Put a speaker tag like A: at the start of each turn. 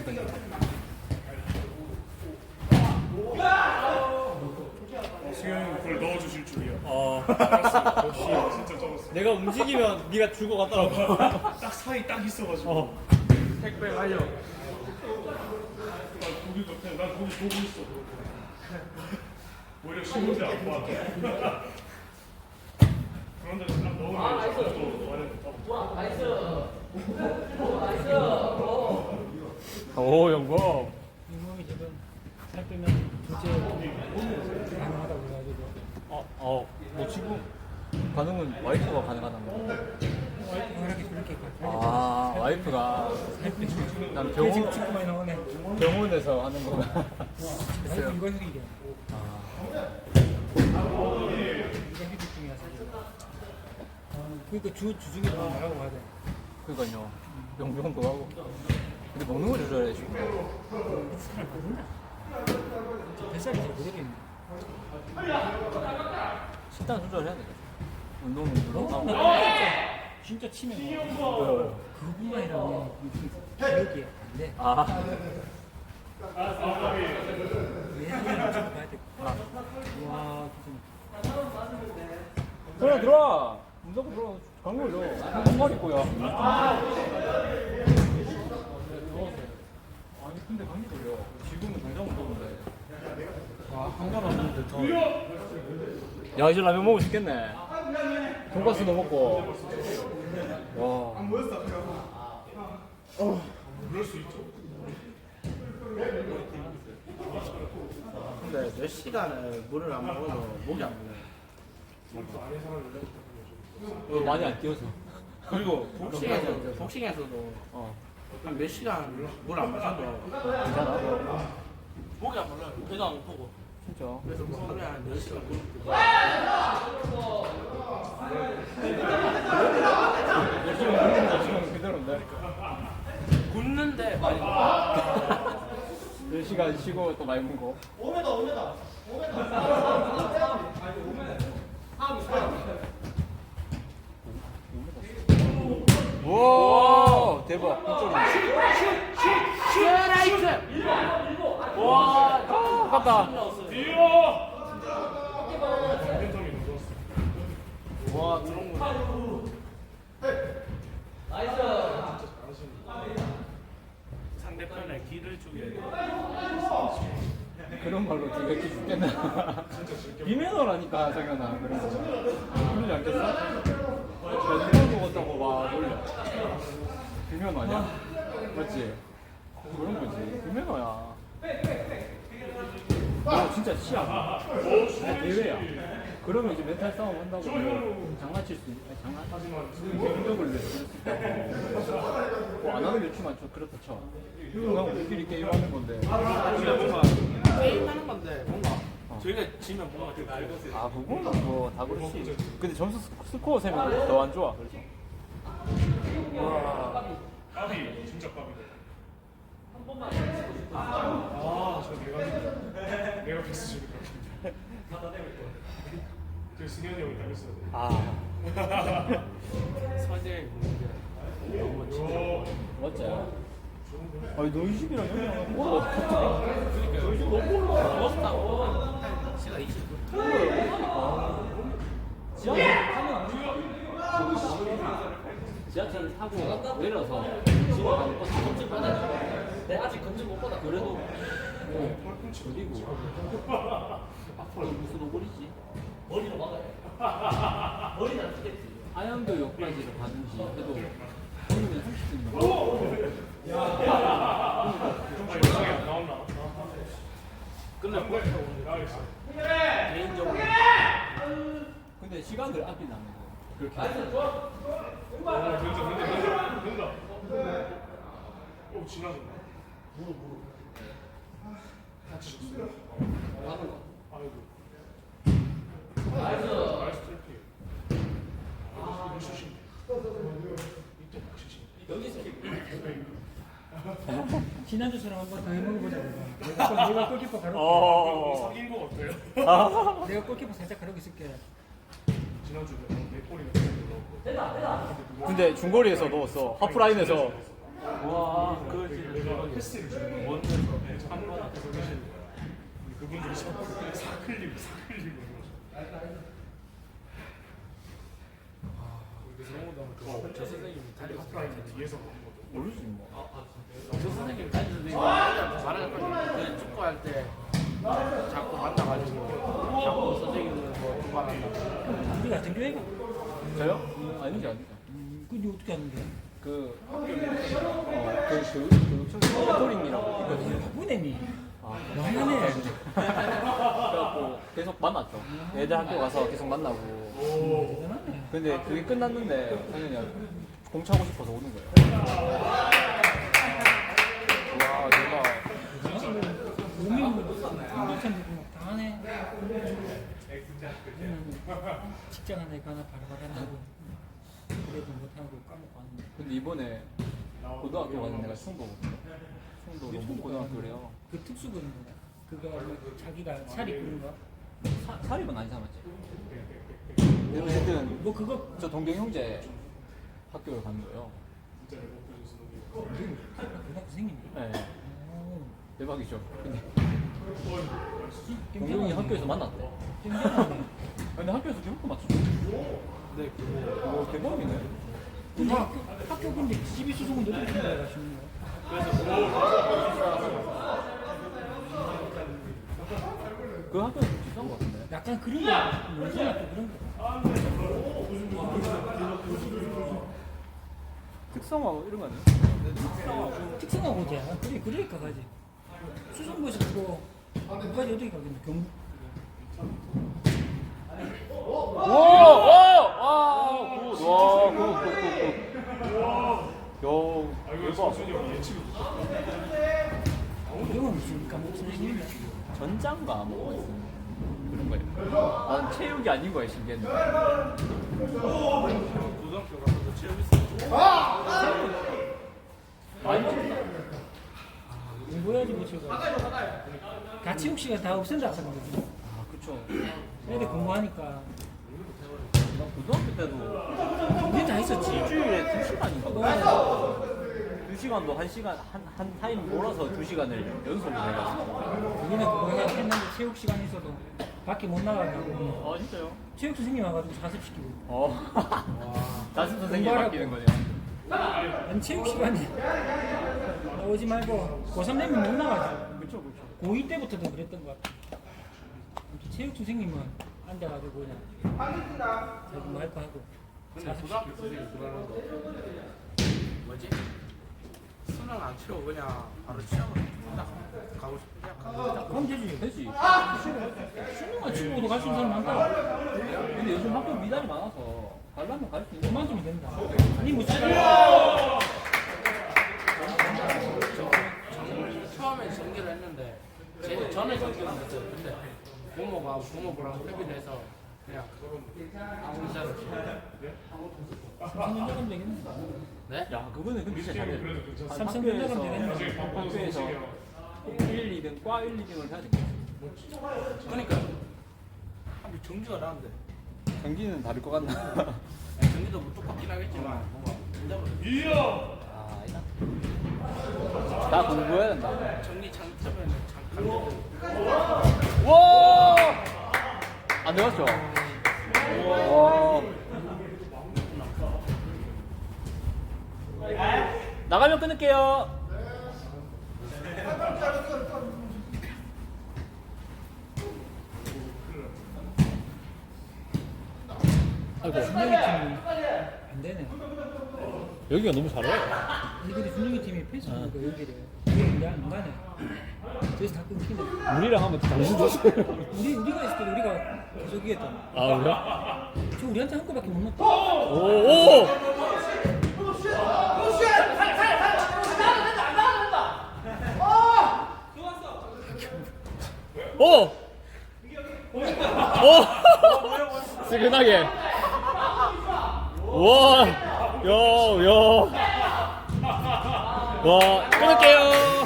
A: 수영이 그걸 넣어주실 줄이야.
B: 역시
A: 진짜 쩔었어.
B: 내가 움직이면 네가 주고 갔더라고.
A: 딱 사이 딱 있어가지고.
B: 택배 완료.
A: 난 고기 같아. 난 고기 보고 있어. 오히려 신문지 안 봐. 그런데 딱 넣으면 또 완전
B: 오 영범.
C: 이 몸이 지금 살 빼면 도체 가능하다고 그래가지고
B: 뭐 지금 가능은 와이프가 가능하다는 거.
C: 워낙에 그렇게
B: 아 와이프가 난
C: 지금 친구 많이 나오네.
B: 병원에서 하는 거구나.
C: 와이프 이거 휴직이야. 이거 휴직 중이야 사실. 그러니까 주중에 좀 나가고 가야 돼.
B: 그러니까요. 용병도 하고. 근데 먹는 거 조절해 지금.
C: 살 모른다. 뱃살이 제일 그대로 있네.
B: 식단 조절해야 돼. 운동도 하고.
C: 진짜 치면 그뿐만 아니라 기억이 안 돼.
B: 아.
C: 얘는 무조건 봐야 돼. 와 진짜.
B: 들어와. 무조건 들어와. 강물 올려. 한 마리 거야. 아니 근데 감기 걸려. 지금은 당장 못 먹는데. 한잔 왔는데 더. 야 이제 라면 먹고 싶겠네. 돈가스도 먹고. 와.
A: 그럴 수 있죠.
D: 근데 몇 시간을 물을 안 먹어도 목이 안 물려요.
B: 많이 안 뛰어서.
D: 그리고 복싱에서도 한 몇 시간 물 안 마셔도
B: 괜찮아?
D: 목이 안 물려요. 배도 안 고프고.
B: 진짜.
D: 그래서 뭐 하루에 한 4시간 물
B: 지금 그대로인데.
D: 굽는데 많이
B: 10시간 쉬고 또 많이 먹고. 와 대박.
D: 슈라이트!
B: 와 아깝다.
A: 뛰어! 팬텀이 넣었어.
D: 와 들어온 거
A: 상대편에 기를 죽여야 돼.
B: 그런 말로 되게 죽겠나. 비매너라니까 성현아. 그런 거. 그러지 않겠어? 누가 먹었다고 막 놀려. 비매너 아니야? 맞지? 그런 거지. 비매너야. 너 진짜 치아. 대회야. 그러면 이제 멘탈 싸움 한다고 장난칠 수 있는 장난적을 낼수 있다고. 뭐안 하는 매치만 좀 그렇다 쳐. 그냥 우리끼리 게임하는 건데.
D: 뭔가 게임하는 건데 뭔가 저희가 지면 뭔가 좀 알거든.
B: 아 그거는 뭐 다 그렇지. 근데 점수 스코어 세면 더 안 좋아. 그래서.
A: 까비, 진짜 까비다. 저 내가 패스 주는 것 같은데. 그 승현이 형이 당했어야 돼.
B: 아
D: 사실
B: 맞지. 아니 너 20이랑 형이랑 뭐?
D: 버스타고 시간 20분.
B: 지하철을 타고 내려서 집에 가는 버스 검증 받아야 돼.
D: 내가 아직 검증 못 받아.
B: 그래도 그리고 앞으로 무슨 오골이지?
D: 머리로 막아야 돼. 머리는 안 쓰겠지.
B: 하양도 역까지를 가든지 해도 우리는 30분이면
A: 아니, 영상이 안 나왔나?
D: 끝날 거
A: 나와있어.
D: 개인적으로.
B: 근데 시간을 아낀다는 거 그렇게
A: 된다. 오, 지나간다. 무릎. 다치셨어요. 아이고. 나이스 트래픽. 이거 슛이. 이때 막 슛이.
C: 지난주처럼 한번 더 해먹어보자. 내가 골키퍼 가로.
A: 사귄 거 어때요?
C: 내가 골키퍼 살짝 가르고 있을게.
A: 지난주에 내 골이나 넣었고.
B: 근데 중거리에서 넣었어 하프라인에서 와,
D: 그걸 진짜
A: 내가
D: 대박이야.
A: 패스를 주는 거
D: 원에서
A: 한번 앞에서 계시는 거야. 그분들이 사클리고
D: 저 선생님이 다리
A: 아프라인 뒤에서 보는 것도
B: 모르지 뭐.
D: 저 선생님이 다리 선생님이 말하자면 그 축구할 때 자꾸 만나가지고 자꾸 선생님을 뭐 두말한다.
C: 우리 같은 교회가.
B: 저요? 아니죠.
C: 근데 어떻게 하는데?
B: 그 캐토링이라고.
C: 바쁘네미.
B: 아,
C: 나하네.
B: 그래갖고 계속 만났죠. 애들 학교 가서 계속 만나고.
C: 대단하네.
B: 근데 그게 끝났는데 당연히 공 차고 싶어서 오는 거예요. 와, 내가
C: 몸이 한참 되고 막 다하네. 직장 하나에 가나 바라바라 하고 그래도 못하고 까먹고 하는데.
B: 근데 이번에 고등학교 가는 데가 충도거든요. 충도 농구 고등학교래요.
C: 그 특수고는 뭐야? 그거 자기가 살이 그런가?
B: 사립은 아니잖아, 맞지? 근데 어쨌든
C: 뭐 그거
B: 저 동경 형제 학교를 가는 거예요.
C: 고등학교 생긴데.
B: 네,
C: 오,
B: 대박이죠. 근데 동경이
C: 땡땡하네.
B: 학교에서 만났대.
C: 땡땡하네.
B: 근데 학교에서 기록도 맞췄어.
D: 네,
B: 오, 대박이네.
C: 근데 학교 근데 집이 수송은 너도 그런 거 가시는 거야?
B: 그 학교는 좀 비싼 것 같은데.
C: 약간 그런 거, 뭔지 학교 그런 거.
B: 특성화 이런 거 아니야?
C: 특성하고 오지 않아? 그래, 그러니까 가지. 수성구에서 그거, 거기까지 어떻게 가겠노? 경북.
B: 대박.
C: 이건 무슨 과목 선생님이야?
B: 전장가 뭐 그런 거예요. 난 체육이 아닌 거야 신기했는데.
D: 고등학교 가서도 체험 있어.
B: 많이 맞췄다.
C: 공부해야지 못 쳐가. 같이 혹시가 다 없앤다 하는 거지.
B: 아 그쵸.
C: 애들 공부하니까.
B: 나 고등학교 때도
C: 그게 다 있었지.
B: 일주일에 2시간인가 2시간도 1시간 한 타임 몰아서 2시간을 연속으로 해가지고.
C: 우리는 그거 했는데 체육 시간 있어도 밖에 못 나가고
B: 아 진짜요?
C: 체육 선생님 와가지고 자습시키고.
B: 자습 선생님이
C: 공부하라고.
B: 바뀌는 거냐?
C: 아니 체육 시간에 오지 말고 고3 되면 못 나가지.
B: 그쵸 그쵸.
C: 고2 때부터도 그랬던 것 같아. 아무튼 체육 선생님은 앉아가지고 그냥 자기 마이크 하고
D: 근데 고등학교 선생님이 그러는 거 뭐지? 수능 안 치고 그냥 바로 시험을 딱 가고 싶으냐?
C: 그럼 되지.
B: 되지.
C: 수능만 치고도 갈 수 있는 사람 많다.
B: 근데 요즘 학교 미달이 많아서 가려면 갈 수 있는
C: 그만 좀 된다. 아니 뭐
D: 처음에 전기를 했는데 전에 전기를 했어요. 근데 부모랑 협의를 해서 그냥 진짜로
C: 3년 정도 되겠네.
D: 네?
B: 야 그거는 근데 진짜 잘해.
C: 삼성 전자가 되겠네.
B: 학교에서 1, 2등 과 1, 2등을 해야 되겠지.
D: 그러니까 한번 정지가 나는데
B: 경기는 다를 것 같나?
D: 정지도 뭐 똑같긴 하겠지만 뭔가
B: 아 아니다. 다 공부해야 된다.
D: 정리 장점에는 강조된
B: 와! 안 되었죠? 와. 나가면 끊을게요. 아이고.
C: 준영이 팀이 안 되네.
B: 여기가 너무 잘해.
C: 아니 근데 준영이 팀이 페이스북에 여기를 여기 안 가네. 저기서 다 끊기네.
B: 우리랑 한번 당신 주세요.
C: 우리가 있을 때 우리가 계속 이겼잖아.
B: 아 그래?
C: 저 우리한테 한 골밖에 못 넣었다.
B: 오! 오! 오! 스근하게. 와! 야, 야. 와, 끊을게요.